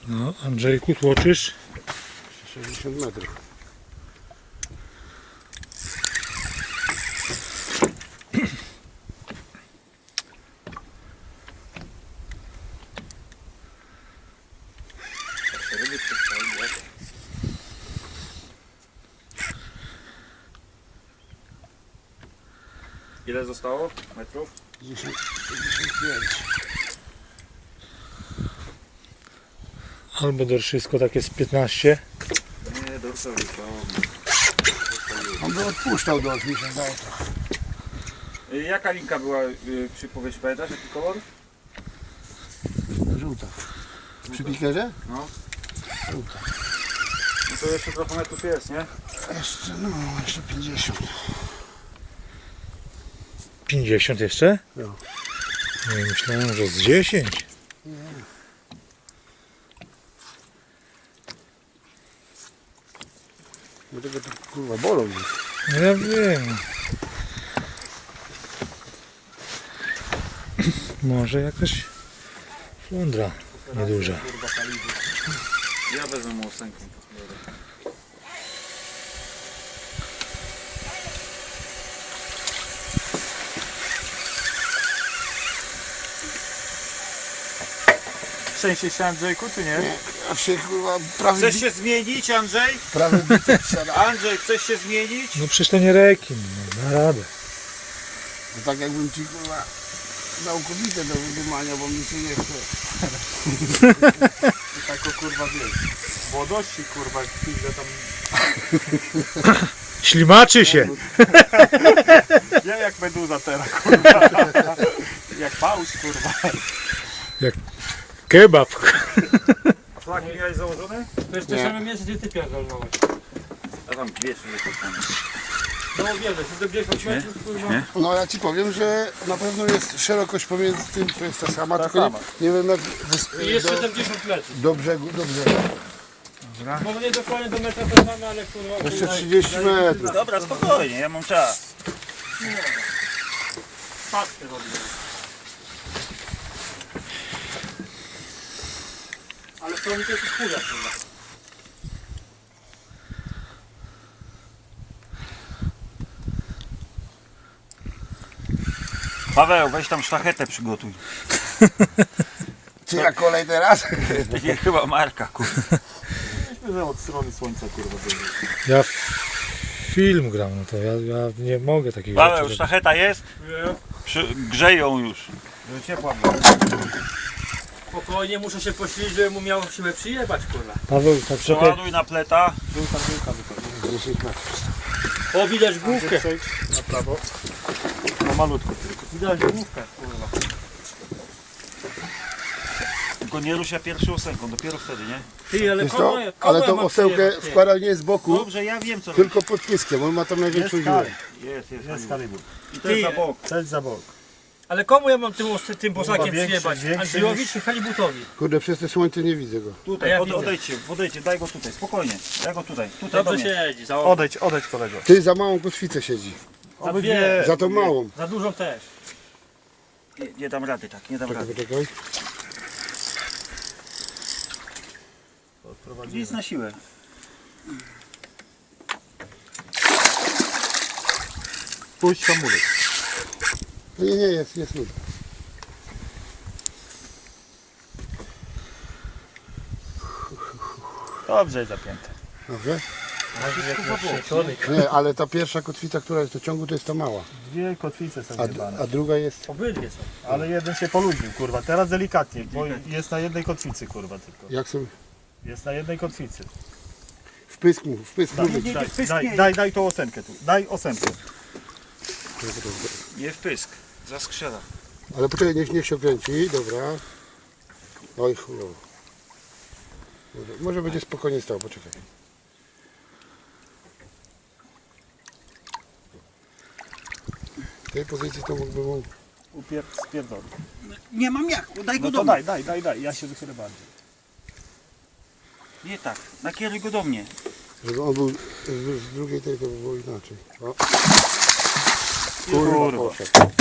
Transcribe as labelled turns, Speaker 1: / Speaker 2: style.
Speaker 1: No, Andrzejku, tłoczysz?
Speaker 2: 60 metrów.
Speaker 3: Ile zostało metrów?
Speaker 2: 55.
Speaker 1: Albo dorszysko takie z 15.
Speaker 3: Nie, dorsal zostało.
Speaker 2: On by odpuszczał do mi się zdaje trochę.
Speaker 3: Jaka linka była przy powieści, pamiętasz jaki kolor?
Speaker 2: Żółta. Przy pikerze?
Speaker 3: No.
Speaker 2: Żółta.
Speaker 3: No to jeszcze trochę metrów jest, nie?
Speaker 2: Jeszcze 50.
Speaker 1: 50 jeszcze?
Speaker 2: No.
Speaker 1: Nie, myślałem, że z 10.
Speaker 2: Bo tego to kurwa bolą mnie.
Speaker 1: No ja wiem. Może jakaś flądra nieduża.
Speaker 3: Kurwa kalibry. Ja wezmę mu ósemkę. Trzęsie się Andrzejku, czy nie?
Speaker 2: A się kurwa prawy
Speaker 3: Chcesz się zmienić, Andrzej?
Speaker 2: prawy biceps siada.
Speaker 3: Andrzej, chcesz się zmienić?
Speaker 1: No przecież to nie rekin, no, na radę.
Speaker 2: No tak jakbym ci kurwa dał kobietę do wydumania, bo mi się nie chce.
Speaker 3: Tak o kurwa wiesz. Młodości kurwa, chwilę tam.
Speaker 1: Ślimaczy się.
Speaker 3: Ja jak meduza teraz kurwa. Jak pauz kurwa.
Speaker 1: Kebab.
Speaker 3: A flagi miałeś założone?
Speaker 4: To jest to
Speaker 2: Nie.
Speaker 4: samo miejsce, gdzie ty pierdolnąłeś.
Speaker 3: A tam wiesz, że to tam.
Speaker 4: No wiele, ty do 10 metrów, kurwa.
Speaker 3: Nie?
Speaker 2: No ja ci powiem, że na pewno jest szerokość pomiędzy tym, to jest ta sama,
Speaker 3: Ta
Speaker 2: tylko
Speaker 3: sama.
Speaker 2: Nie wiem jak
Speaker 4: I jest 70 metrów.
Speaker 2: do brzegu, do brzegu.
Speaker 4: Może nie dokładnie do metra to mamy, ale kurwa...
Speaker 2: Jeszcze 30 metrów.
Speaker 3: Dobra, spokojnie, ja mam czas.
Speaker 4: Patrzcie robimy. Ale to mi to jest chuja, kurwa.
Speaker 3: Paweł, weź tam sztachetę przygotuj.
Speaker 2: Czy ja kolej teraz?
Speaker 3: Będzie chyba marka, kurwa. Myśmy, że od strony słońca, kurwa, będzie.
Speaker 1: Ja film gram, no to ja nie mogę takich
Speaker 3: Paweł,
Speaker 1: rzeczy robić.
Speaker 3: sztacheta jest? Grzej ją już. Żeby ciepła była.
Speaker 4: Spokojnie, muszę się posilić, żebym mu miał siłę przyjebać, kurwa.
Speaker 1: Paweł, tak trochę...
Speaker 3: Przeładuj na pleta.
Speaker 2: 10 metrów.
Speaker 4: O, widać główkę.
Speaker 3: Przejdź na prawo. No malutko tylko.
Speaker 4: Widać główkę, kurwa.
Speaker 3: Tylko nie rusz się pierwszą ósemką, dopiero wtedy, nie?
Speaker 4: Ty, ale
Speaker 2: Wiesz
Speaker 4: kogo,
Speaker 2: co?
Speaker 4: kogo
Speaker 2: Ale
Speaker 4: ja
Speaker 2: tą
Speaker 4: mam
Speaker 2: osełkę
Speaker 4: przyjebać, ty?
Speaker 2: wkłada nie z boku,
Speaker 3: Dobrze, ja wiem co robić.
Speaker 2: tylko pod pyskiem, on ma tam największą dziurę.
Speaker 3: Jest kalibur. I to jest za bok.
Speaker 5: To jest za bok.
Speaker 4: Ale komu ja mam tym posakiem
Speaker 5: większy,
Speaker 4: przyjebać?
Speaker 5: większy
Speaker 4: Andrzejowi
Speaker 5: niż-
Speaker 4: czy Halibutowi?
Speaker 2: Kurde, przez te słońce nie widzę go.
Speaker 4: A
Speaker 3: Tutaj,
Speaker 4: ja widzę.
Speaker 3: odejdźcie, daj go tutaj, spokojnie. Daj go tutaj, tutaj do
Speaker 4: Dobrze
Speaker 3: mnie.
Speaker 4: siedzi, za okno.
Speaker 5: Odejdź kolego.
Speaker 2: Ty za małą kotwicę siedzi.
Speaker 4: Za dwie,
Speaker 2: Za tą małą.
Speaker 4: za dużą też.
Speaker 3: Nie dam rady tak, nie dam rady.
Speaker 2: Poczekaj.
Speaker 3: Nic na siłę.
Speaker 5: Puść hamulec.
Speaker 2: Nie, jest lód.
Speaker 5: Dobrze jest zapięte.
Speaker 2: Dobrze?
Speaker 4: Człowiek.
Speaker 2: Nie, ale ta pierwsza kotwica, która jest do ciągu, to jest ta mała.
Speaker 5: Dwie kotwice są
Speaker 2: A,
Speaker 5: jebane.
Speaker 2: a druga jest...
Speaker 4: Obydwie są.
Speaker 5: Ale jeden się poluźnił, kurwa. Teraz delikatnie, bo jest na jednej kotwicy, kurwa, tylko.
Speaker 2: Jak są...
Speaker 5: Jest na jednej kotwicy.
Speaker 2: W pysk mów, w pysk
Speaker 5: Daj,
Speaker 2: mów.
Speaker 5: daj tą ósemkę tu. Daj ósemkę.
Speaker 3: Nie w pysk, zaskrzela.
Speaker 2: Ale poczekaj, niech się kręci, dobra. Oj chujowo. Może będzie spokojnie stał, poczekaj. W tej pozycji to mógłby mu...
Speaker 5: Spierdolę.
Speaker 3: Nie mam jak, daj
Speaker 5: No to daj. Ja się wychylę bardziej.
Speaker 3: Nie tak, nakieruj go do mnie.
Speaker 2: Żeby on był z drugiej tej, to by było inaczej. O.
Speaker 3: Kurwa.
Speaker 2: Poszedł.